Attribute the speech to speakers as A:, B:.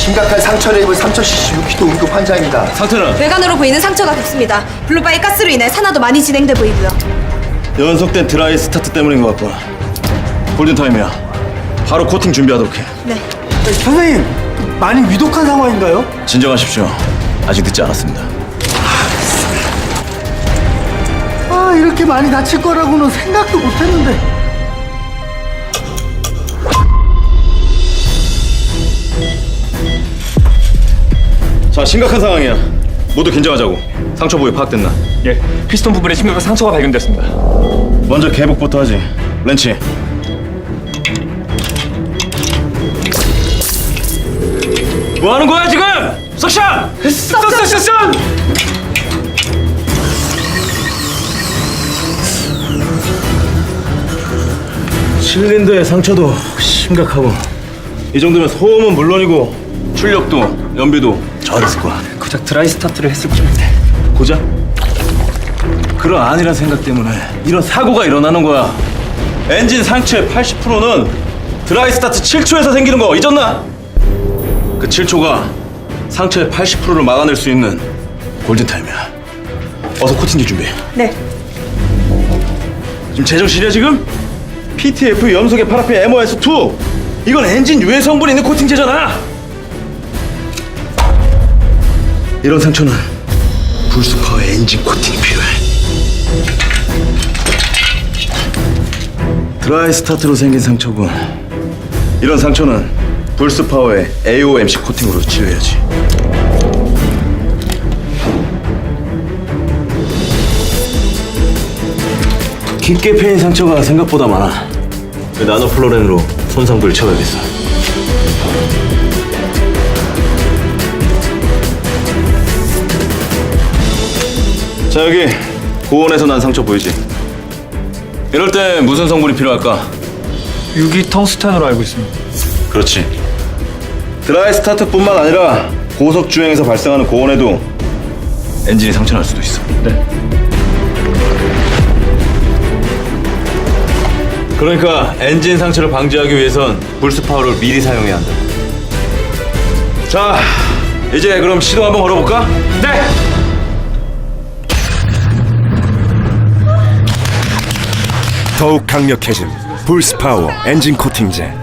A: 심각한 상처를 입은 3076기도 응급 환자입니다.
B: 상태는?
C: 외관으로 보이는 상처가 깊습니다. 블루바이 가스로 인해 산화도 많이 진행돼 보이고요.
B: 연속된 드라이 스타트 때문인 것 같고. 골든타임이야. 바로 코팅 준비하도록 해.
C: 네.
D: 선생님, 많이 위독한 상황인가요?
B: 진정하십시오. 아직 늦지 않았습니다.
D: 아, 이렇게 많이 다칠 거라고는 생각도 못했는데.
B: 자, 심각한 상황이야. 모두 긴장하자고. 상처 부위 파악됐나?
E: 예, 피스톤 부분에 심각한 상처가 발견됐습니다.
B: 먼저 개복부터 하지. 렌치. 뭐 하는 거야 지금? 석션! 석션! 실린더의 상처도 심각하고 이 정도면 소음은 물론이고 출력도, 연비도 저하됐을 거야.
E: 고작 드라이 스타트를 했을 뿐인데.
B: 고작? 그런 안일한 생각 때문에 이런 사고가 일어나는 거야. 엔진 상처의 80%는 드라이 스타트 7초에서 생기는 거 잊었나? 그 7초가 상처의 80%를 막아낼 수 있는 골든타임이야. 어서 코팅기 준비해.
C: 네.
B: 지금 제정신이야 지금? PTF 염소계 파라핀 MOS2 이건 엔진 유해 성분이 있는 코팅제잖아. 이런 상처는 불스파워의 엔진 코팅이 필요해. 드라이 스타트로 생긴 상처군. 이런 상처는 불스파워의 AOMC 코팅으로 치료해야지. 깊게 패인 상처가 생각보다 많아. 그 나노플로렌으로 손상부를 채워야겠어. 자, 여기 고온에서 난 상처 보이지? 이럴 때 무슨 성분이 필요할까?
E: 유기 텅스텐으로 알고 있습니다.
B: 그렇지. 드라이 스타트뿐만 아니라 고속 주행에서 발생하는 고온에도 엔진이 상처날 수도 있어.
E: 네.
B: 그러니까 엔진 상처를 방지하기 위해선 불스파워를 미리 사용해야 한다. 자, 이제 그럼 시동 한번 걸어볼까?
E: 네!
F: 더욱 강력해진 불스파워 엔진 코팅제.